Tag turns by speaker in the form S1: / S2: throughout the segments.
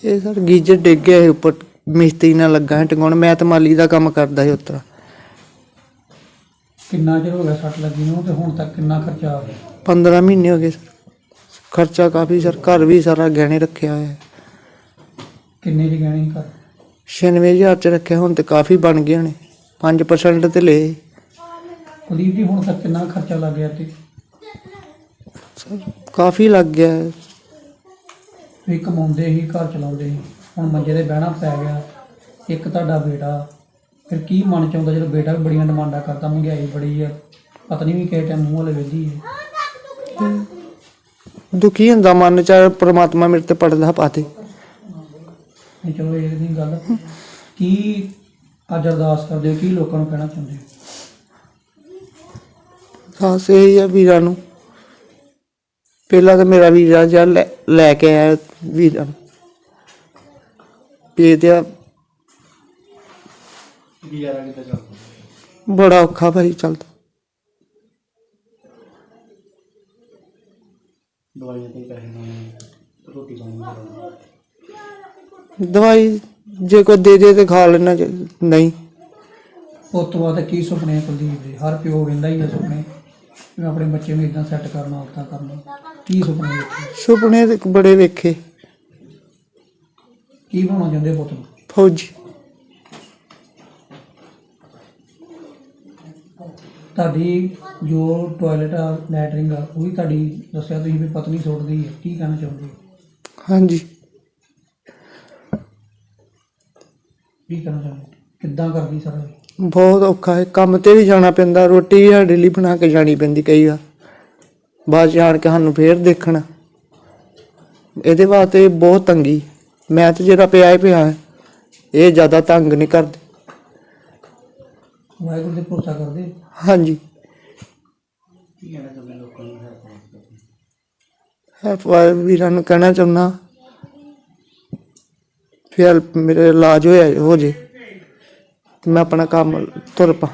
S1: ਇਹ sir geyser ਡਿੱਗ ਗਿਆ ਸੀ ਉੱਪਰ, ਮਿਸਤਰੀ ਨਾਲ ਲੱਗਾ ਸੀ ਟਿਕਾਉਣ। ਮੈਂ ਤਾਂ ਮਾਲੀ ਦਾ ਕੰਮ ਕਰਦਾ ਸੀ ਉੱਤਰਾ।
S2: ਕਿੰਨਾ ਚਿਰ ਹੋ ਗਿਆ ਸੱਟ ਲੱਗੀ ਨੂੰ ਤੇ ਹੁਣ ਤੱਕ ਕਿੰਨਾ ਖਰਚਾ ਆ ਗਿਆ?
S1: 15 ਮਹੀਨੇ ਹੋ ਗਏ ਸਰ। ਖਰਚਾ ਕਾਫੀ ਸਰ, ਘਰ ਵੀ ਸਾਰਾ ਗਹਿਣੇ ਰੱਖਿਆ ਹੋਇਆ।
S2: ਕਿੰਨੇ ਦੀ ਗਹਿਣੇ ਘਰ?
S1: 96,000 ਚ ਰੱਖਿਆ, ਹੁਣ ਤੇ ਕਾਫੀ ਬਣ ਗਏ ਨੇ। 5% ਤੇ ਲਏ।
S2: ਕੁਲਦੀਪ ਜੀ ਹੁਣ ਤੱਕ ਕਿੰਨਾ ਖਰਚਾ ਲੱਗ ਗਿਆ ਤੇ?
S1: ਸਰ ਕਾਫੀ ਲੱਗ ਗਿਆ।
S2: ਤੁਸੀਂ ਕਮਾਉਂਦੇ ਸੀ, ਘਰ ਚਲਾਉਂਦੇ ਸੀ, ਹੁਣ ਮੰਜੇ ਤੇ ਬਹਿਣਾ ਪੈ ਗਿਆ। ਇੱਕ ਤੁਹਾਡਾ ਬੇਟਾ, ਫਿਰ ਕੀ ਮਨ ਚ ਆਉਂਦਾ ਜਦੋਂ ਬੇਟਾ ਵੀ ਬੜੀਆਂ ਡਿਮਾਂਡਾਂ ਕਰਦਾ, ਮਹਿੰਗਾਈ ਬੜੀ ਆ, ਪਤਨੀ ਵੀ ਕਿਸੇ ਟਾਈਮ ਮੂੰਹ ਵਾਲੇ ਵੇਖਦੀ ਹੈ?
S1: ਦੁਖੀ ਹੁੰਦਾ ਮਨ ਚ, ਪ੍ਰਮਾਤਮਾ ਮੇਰੇ ਤੇ ਪੜਦਾ ਪਾਤੇ।
S2: ਨਹੀਂ ਚਲੋ ਇਹ ਨਹੀਂ ਗੱਲ। ਕੀ ਅੱਜ ਅਰਦਾਸ ਕਰਦੇ ਹੋ, ਕੀ ਲੋਕਾਂ ਨੂੰ ਕਹਿਣਾ ਚਾਹੁੰਦੇ ਹੋ?
S1: ਬਸ ਇਹੀ ਆ ਵੀਰਾਂ ਨੂੰ, ਪਹਿਲਾਂ ਤਾਂ ਮੇਰਾ ਵੀਰਾ ਜਾ ਲੈ ਕੇ ਆਇਆ ਵੀਰਾਂ ਨੂੰ ਭੇਜਿਆ। ਬੜਾ ਔਖਾ ਭਾਈ ਚੱਲਦਾ। ਦਵਾਈ ਜੇ ਕੋਈ ਦੇ ਦੇ ਤੇ ਖਾ ਲੈਣਾ, ਨਹੀਂ।
S2: ਉਸ ਤੋਂ ਬਾਅਦ ਕੀ ਸੁਪਨੇ ਕੁਲਦੀਪ ਦੇ? ਹਰ ਪਿਓ ਕਹਿੰਦਾ ਹੀ ਆ ਸੁਪਨੇ, ਮੈਂ ਆਪਣੇ ਬੱਚੇ ਨੂੰ ਇਦਾਂ ਸੈੱਟ ਕਰਨਾ, ਉੱਦਾਂ ਕਰਨਾ। ਕੀ ਸੁਪਨੇ ਵੇਖੇ?
S1: ਸੁਪਨੇ ਤੇ ਬੜੇ ਵੇਖੇ।
S2: ਕੀ ਬਣਾਉਣਾ ਚਾਹੁੰਦੇ ਪੁੱਤ ਨੂੰ?
S1: ਫੌਜੀ।
S2: ਤੁਹਾਡੀ ਜੋ ਟੋਇਲਟ ਆ, ਲੈਟਰਿੰਗ ਆ, ਉਹ ਵੀ ਤੁਹਾਡੀ ਦੱਸਿਆ ਤੁਸੀਂ ਵੀ ਪਤਨੀ ਸੁੱਟਦੀ ਹੈ, ਕੀ ਕਹਿਣਾ ਚਾਹੁੰਦੇ?
S1: ਹਾਂਜੀ।
S2: ਕੀ ਕਹਿਣਾ ਚਾਹੁੰਦੇ? ਕਿੱਦਾਂ ਕਰਦੀ ਸਾਰਾ?
S1: ਬਹੁਤ ਔਖਾ ਹੈ, ਕੰਮ ਤੇ ਵੀ ਜਾਣਾ ਪੈਂਦਾ, ਰੋਟੀ ਵੀ ਸਾਡੇ ਲਈ ਬਣਾ ਕੇ ਜਾਣੀ ਪੈਂਦੀ ਕਈ ਵਾਰ, ਬਾਅਦ ਚ ਆਣ ਕੇ ਸਾਨੂੰ ਫੇਰ ਦੇਖਣਾ। ਇਹਦੇ ਵਾਸਤੇ ਬਹੁਤ ਤੰਗੀ। ਮੈਂ ਤਾਂ ਜਿਹੜਾ ਪਿਆ ਹੀ ਪਿਆ, ਇਹ ਜ਼ਿਆਦਾ ਤੰਗ ਨਹੀਂ ਕਰਦੇ।
S2: ਵਾਹਿਗੁਰੂ ਦੇ ਭਰੋਸਾ ਕਰਦੇ?
S1: ਹਾਂਜੀ। ਵੀਰਾਂ ਨੂੰ ਕਹਿਣਾ ਚਾਹੁੰਦਾ ਫਿਰ ਮੇਰੇ ਇਲਾਜ ਹੋ ਜੇ ਤੇ ਮੈਂ ਆਪਣਾ ਕੰਮ ਤੁਰ ਪਾ।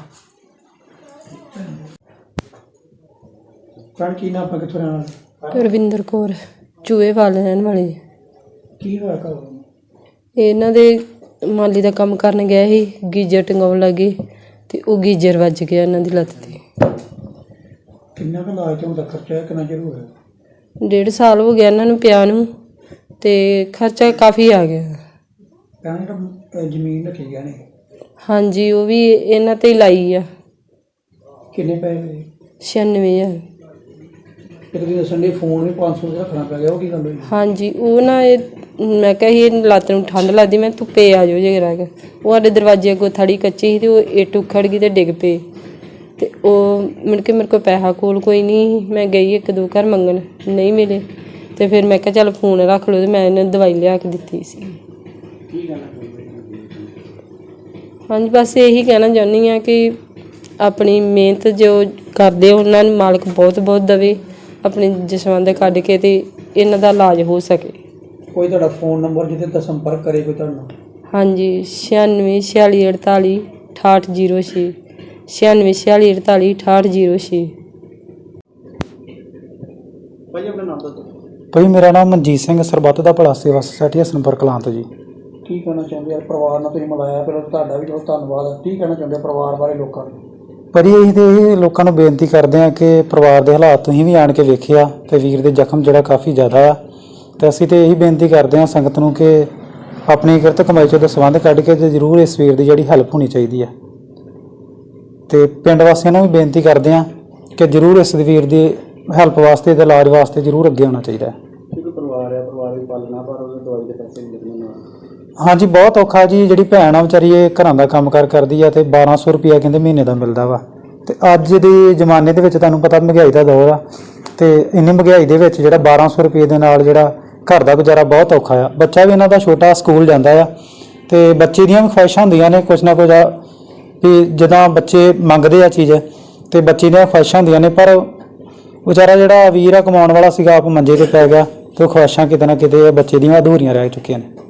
S2: ਕੀ ਨਾਮ? ਆਪਾਂ ਕਿੱਥੋਂ ਰਹਿਣ ਵਾਲੇ?
S3: ਰਵਿੰਦਰ ਕੌਰ, ਚੂਹੇਵਾਲ ਰਹਿਣ ਵਾਲੀ।
S2: ਕੀ ਹੋਇਆ ਘਰ?
S3: ਇਹਨਾਂ ਦੇ ਮਾਲੀ ਦਾ ਕੰਮ ਕਰਨ ਗਿਆ ਸੀ, ਗੀਜ਼ਰ ਟੰਗਾਉਣ ਲੱਗੇ ਤੇ ਉਹ ਗੀਜ਼ਰ ਵੱਜ ਗਿਆ ਇਹਨਾਂ ਦੀ ਲੱਤ ਤੇ।
S2: ਕਿੰਨਾ ਕੁ ਇਲਾਜ ਦਾ ਖਰਚਾ? ਕਿੰਨਾ ਚਿਰ ਹੋਇਆ?
S3: 1.5 ਸਾਲ ਹੋ ਗਿਆ ਇਹਨਾਂ ਨੂੰ ਪਿਆ ਨੂੰ, ਤੇ ਖਰਚਾ ਕਾਫੀ ਆ ਗਿਆ।
S2: ਕਹਿੰਦੇ ਜ਼ਮੀਨ ਰੱਖੀ ਗਿਆ ਨੇ?
S3: ਹਾਂਜੀ, ਉਹ ਵੀ ਇਹਨਾਂ ਤੇ ਹੀ ਲਾਈ ਆ।
S2: ਕਿੰਨੇ ਪੈਸੇ?
S3: 96,000।
S2: ਇੱਕ ਦਿਨ ਦੱਸਣ ਦੇ ਫੋਨ ਵੀ 500 ਦਾ ਰੱਖਣਾ ਪੈ ਗਿਆ, ਉਹ ਕੀ ਗੱਲ ਹੋਈ?
S3: ਹਾਂਜੀ, ਉਹ ਨਾ ਮੈਂ ਕਿਹਾ ਸੀ ਲੱਤ ਨੂੰ ਠੰਡ ਲੱਗਦੀ, ਮੈਂ ਧੁੱਪੇ ਆ ਜਾਓ ਜੇ ਰਹਿ। ਉਹ ਸਾਡੇ ਦਰਵਾਜ਼ੇ ਅੱਗੋਂ ਥੜੀ ਕੱਚੀ ਸੀ ਤੇ ਉਹ ਇੱਟ ਉਖੜ ਗਈ ਤੇ ਡਿੱਗ ਪਏ। ਤੇ ਉਹ ਮੁੜ ਕੇ ਮੇਰੇ ਕੋਲ ਪੈਸਾ ਕੋਲ ਕੋਈ ਨਹੀਂ, ਮੈਂ ਗਈ 1-2 ਘਰ ਮੰਗਣ, ਨਹੀਂ ਮਿਲੇ। ਤੇ ਫਿਰ ਮੈਂ ਕਿਹਾ ਚੱਲ ਫੋਨ ਰੱਖ ਲਓ, ਤੇ ਮੈਂ ਇਹਨਾਂ ਨੂੰ ਦਵਾਈ ਲਿਆ ਕੇ ਦਿੱਤੀ ਸੀ। ਹਾਂਜੀ, ਬਸ ਇਹੀ ਕਹਿਣਾ ਚਾਹੁੰਦੀ ਹਾਂ ਕਿ ਆਪਣੀ ਮਿਹਨਤ ਜੋ ਕਰਦੇ ਉਹਨਾਂ ਨੂੰ ਮਾਲਕ ਬਹੁਤ ਬਹੁਤ ਦੇਵੇ, ਆਪਣੇ ਜਸਵੰਤ ਕੱਢ ਕੇ ਤੇ ਇਹਨਾਂ ਦਾ ਇਲਾਜ ਹੋ ਸਕੇ।
S2: ਕੋਈ ਤੁਹਾਡਾ ਫੋਨ ਨੰਬਰ ਜਿਹਦੇ ਤੇ ਸੰਪਰਕ ਕਰੇ ਕੋਈ ਤੁਹਾਨੂੰ?
S3: ਹਾਂਜੀ, 964648 6806, 964648 6806।
S2: ਭਾਈ ਆਪਣਾ ਨਾਮ ਦੱਸੋ।
S4: ਭਾਈ ਮੇਰਾ ਨਾਮ ਮਨਜੀਤ ਸਿੰਘ, ਸਰਬੱਤ ਦਾ ਭਲਾ ਸੇਵਾ ਸੁਸਾਇਟੀ ਹਸਨਪੁਰ ਕਲਾਂ ਤੋਂ ਜੀ।
S2: ਕੀ ਕਹਿਣਾ ਚਾਹੁੰਦੇ ਆ ਪਰਿਵਾਰ ਨਾਲ? ਤੁਸੀਂ ਮਿਲਾਇਆ, ਪਹਿਲਾਂ ਤੁਹਾਡਾ ਵੀ ਬਹੁਤ ਧੰਨਵਾਦ। ਕੀ ਕਹਿਣਾ ਚਾਹੁੰਦੇ ਪਰਿਵਾਰ ਬਾਰੇ ਲੋਕਾਂ ਨੂੰ?
S4: ਭਾਜੀ ਅਸੀਂ ਤਾਂ ਇਹ ਲੋਕਾਂ ਨੂੰ ਬੇਨਤੀ ਕਰਦੇ ਹਾਂ ਕਿ ਪਰਿਵਾਰ ਦੇ ਹਾਲਾਤ ਤੁਸੀਂ ਵੀ ਆਣ ਕੇ ਵੇਖਿਆ ਤੇ ਵੀਰ ਦੇ ਜ਼ਖਮ ਜਿਹੜਾ ਕਾਫੀ ਜ਼ਿਆਦਾ ਆ, ਤੇ ਅਸੀਂ ਤਾਂ ਇਹੀ ਬੇਨਤੀ ਕਰਦੇ ਹਾਂ ਸੰਗਤ ਨੂੰ ਕਿ ਆਪਣੀ ਕਿਰਤ ਕਮਾਈ ਚੋਂ ਦਸਵੰਧ ਕੱਢ ਕੇ ਤੇ ਜ਼ਰੂਰ ਇਸ ਵੀਰ ਦੀ ਜਿਹੜੀ ਹੈਲਪ ਹੋਣੀ ਚਾਹੀਦੀ ਆ। ਤੇ ਪਿੰਡ ਵਾਸੀਆਂ ਨੂੰ ਵੀ ਬੇਨਤੀ ਕਰਦੇ ਹਾਂ ਕਿ ਜ਼ਰੂਰ ਇਸ ਵੀਰ ਦੀ ਹੈਲਪ ਵਾਸਤੇ ਤੇ ਇਲਾਜ ਵਾਸਤੇ ਜ਼ਰੂਰ ਅੱਗੇ ਆਉਣਾ ਚਾਹੀਦਾ ਹੈ।
S2: ਪਰਿਵਾਰ ਆ, ਪਰਿਵਾਰ ਵੀ ਪਾਲਣਾ, ਪਰ ਉਹਦੇ ਦਵਾਈ ਦੇ ਪੈਸੇ ਨਹੀਂ ਲੱਗਣੇ।
S4: ਹਾਂਜੀ, ਬਹੁਤ ਔਖਾ ਜੀ। ਜਿਹੜੀ ਭੈਣ ਆ ਵਿਚਾਰੀ ਇਹ ਘਰਾਂ ਦਾ ਕੰਮ ਕਾਰ ਕਰਦੀ ਆ ਤੇ 1200 ਰੁਪਇਆ ਕਹਿੰਦੇ ਮਹੀਨੇ ਦਾ ਮਿਲਦਾ ਵਾ। ਤੇ ਅੱਜ ਦੇ ਜ਼ਮਾਨੇ ਦੇ ਵਿੱਚ ਤੁਹਾਨੂੰ ਪਤਾ ਮਹਿੰਗਾਈ ਦਾ ਦੌਰ ਆ, ਤੇ ਇੰਨੀ ਮਹਿੰਗਾਈ ਦੇ ਵਿੱਚ ਜਿਹੜਾ 1200 ਰੁਪਏ ਦੇ ਨਾਲ ਜਿਹੜਾ ਘਰ ਦਾ ਗੁਜ਼ਾਰਾ ਬਹੁਤ ਔਖਾ ਆ। ਬੱਚਾ ਵੀ ਇਹਨਾਂ ਦਾ ਛੋਟਾ ਸਕੂਲ ਜਾਂਦਾ ਆ, ਤੇ ਬੱਚੇ ਦੀਆਂ ਵੀ ਖੁਆਇਸ਼ਾਂ ਹੁੰਦੀਆਂ ਨੇ ਕੁਛ ਨਾ ਕੁਝ ਵੀ ਜਦੋਂ ਬੱਚੇ ਮੰਗਦੇ ਆ ਚੀਜ਼ ਤੇ ਬੱਚੇ ਦੀਆਂ ਖੁਆਇਸ਼ਾਂ ਹੁੰਦੀਆਂ ਨੇ, ਪਰ ਵਿਚਾਰਾ ਜਿਹੜਾ ਵੀਰ ਆ ਕਮਾਉਣ ਵਾਲਾ ਸੀਗਾ ਆਪ ਮੰਜੇ ਤੇ ਪੈ ਗਿਆ ਤੇ ਉਹ ਖੁਆਇਸ਼ਾਂ ਕਿਤੇ ਨਾ ਕਿਤੇ ਬੱਚੇ ਦੀਆਂ ਅਧੂਰੀਆਂ ਰਹਿ ਚੁੱਕੀਆਂ ਨੇ।